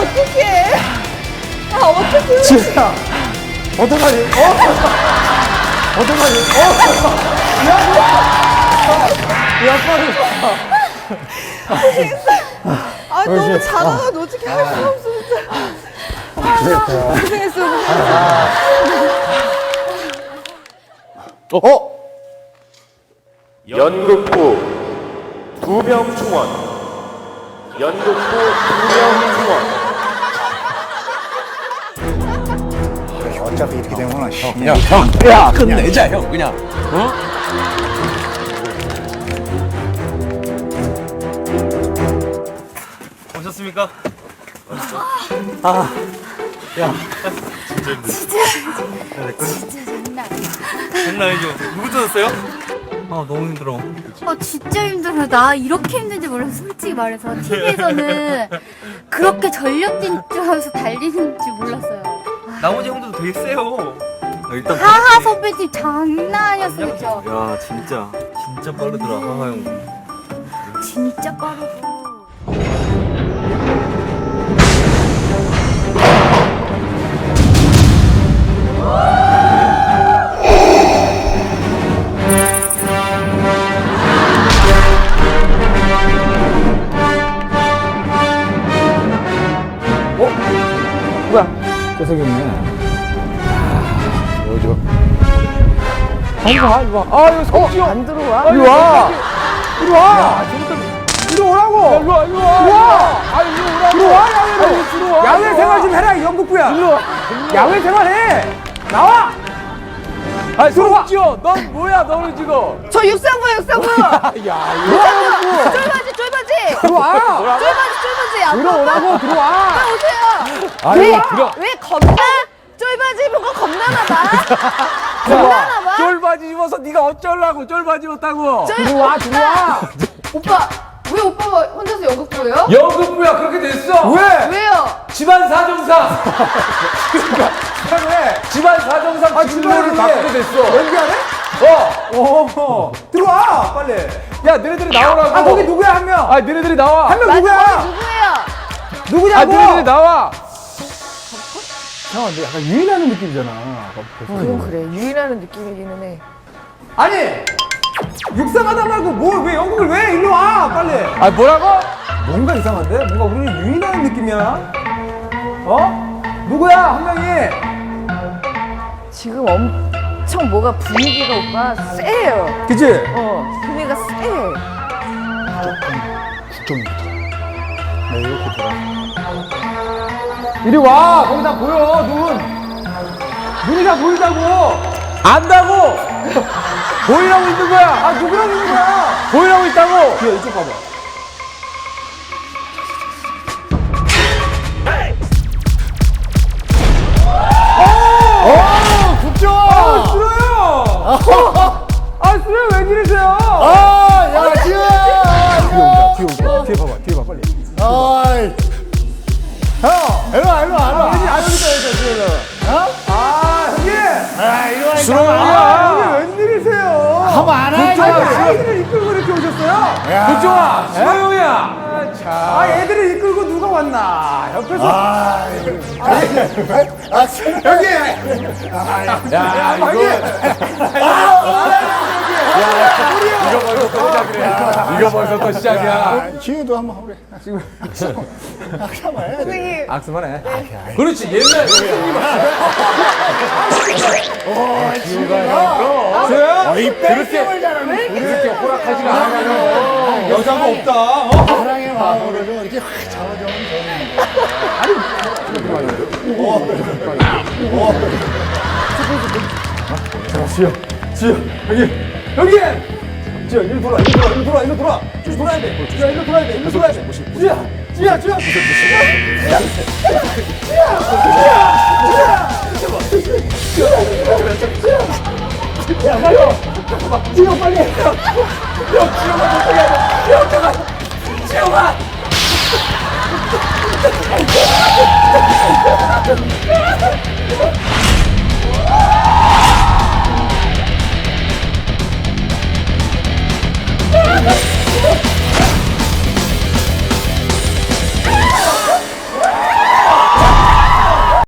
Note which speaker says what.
Speaker 1: 어떡해. 아, 어떡해.
Speaker 2: 지혜야, 어떡하지? 어떡하지? 야, 빨리.
Speaker 1: 고생했어. 아, 너무 작아가지고 어떻게 할 수가 없어, 진짜. 아, 고생했어.
Speaker 3: 연극부 2명 충원. 연극부 2명 충원.
Speaker 2: 어차피 이렇게 되면
Speaker 4: 야, 끝내자, 형, 그냥. 어?
Speaker 5: 오셨습니까?
Speaker 6: 진짜 장난 아니야.
Speaker 5: 장난 아니죠? 누구 뜯었어요? 아 너무 힘들어.
Speaker 6: 진짜 힘들어. 나 이렇게 힘든지 몰라서 솔직히 말해서 TV에서는 그렇게 전력 질주하면서 달리는 줄 몰랐어요.
Speaker 5: 나머지 형들도 되게 세요. 일단
Speaker 6: 하하 선배님 장난 아니었어, 그죠?
Speaker 5: 야 진짜 빠르더라 하하 형.
Speaker 6: 진짜 빠르고.
Speaker 2: 잘생겼네. 뭐죠? 이리 와, 이리 와. 아, 이거 성지요.
Speaker 1: 안 들어와?
Speaker 2: 이리 와. 이리 와. 이리 오라고. 이리 와, 이리 와. 이리 와. 아, 이리 오라고. 이리 와, 야외로. 들어와. 야외 생활 좀 해라, 이 연극부야. 이리 와. 야외 생활 해. 나와. 아, 성지요. 넌 뭐야, 너는 지금.
Speaker 1: 저 육상부.
Speaker 2: 야, 이거.
Speaker 1: 쫄바지.
Speaker 2: 들어와.
Speaker 1: 쫄바지. 안
Speaker 2: 들어오라고, 들어와.
Speaker 1: 오세요.
Speaker 2: 아이고, 들어.
Speaker 1: 왜 겁나? 쫄바지 입은 거 겁나나 봐. 겁나나 봐.
Speaker 2: 쫄바지 입어서 네가 어쩌려고 쫄바지 입었다고.
Speaker 1: 쫄-
Speaker 2: 들어와.
Speaker 1: 오빠, 왜 오빠가 혼자서 연극부예요?
Speaker 2: 연극부야 그렇게 됐어. 왜?
Speaker 1: 왜요?
Speaker 2: 집안 사정상. 그러니까 왜? 집안 사정상 진로를 바꾸게 됐어. 연기하네? 들어와 빨리. 야 너네들이 나오라고. 아 거기 누구야 한 명? 아 너네들이 나와. 한 명
Speaker 1: 맞아,
Speaker 2: 누구야?
Speaker 1: 거기 누구예요?
Speaker 2: 누구냐고? 아 너네들이 나와. 형 근데 약간 유인하는 느낌이잖아.
Speaker 1: 그건 그래. 유인하는 느낌이기는 해.
Speaker 2: 아니 육상하다 말고 뭘 왜 연극을 왜 일로 와 빨리. 아 뭐라고? 뭔가 이상한데? 뭔가 우리를 유인하는 느낌이야. 누구야 한 명이?
Speaker 1: 지금 엄청 뭐가 분위기가 오빠 세요.
Speaker 2: 그치?
Speaker 1: 분위기가 세.
Speaker 2: 이리 와 거기 다 보여 눈이 다 보인다고 안다고 보이라고 있는 거야. 아 누구라고 있는 거야? 보이라고 있다고. 야 이쪽 봐봐. 국정아! 아, 싫어요! 싫어요, 왜 이러세요?
Speaker 4: 야, 지우야!
Speaker 2: 뒤에 온다. 뒤에 봐봐, 뒤에 봐, 빨리.
Speaker 4: 어이. 형, 일로 와.
Speaker 2: 여기 있다, 형님!
Speaker 4: 이리 와,
Speaker 2: 수롱아! 형님, 웬일이세요?
Speaker 4: 가만 안 해,
Speaker 2: 국정아,
Speaker 4: 이거.
Speaker 2: 아이들을 이끌고 이렇게 오셨어요? 국정아, 수롱이야! 애들을 이끌고 누가 왔나? 옆에서.
Speaker 4: 여기!
Speaker 2: 야, 이거 벌써 또 시작이야.
Speaker 4: 지우도 한번 하래. 지금.
Speaker 1: 선생님.
Speaker 2: 악수만 해. 그렇지, 옛날
Speaker 4: 땡땡을 잘하네.
Speaker 2: 그렇게 호락하지가 않아요. 여자가 없다.
Speaker 4: 사랑의 마음으로 좀 이렇게 확 잡아주면 좋은데.
Speaker 2: 지효, 여기! 지효, 일로 돌아. 쭉 돌아야 돼. 지효, 일로 돌아야 돼. 지효. 지효, 빨리 해. 지효가.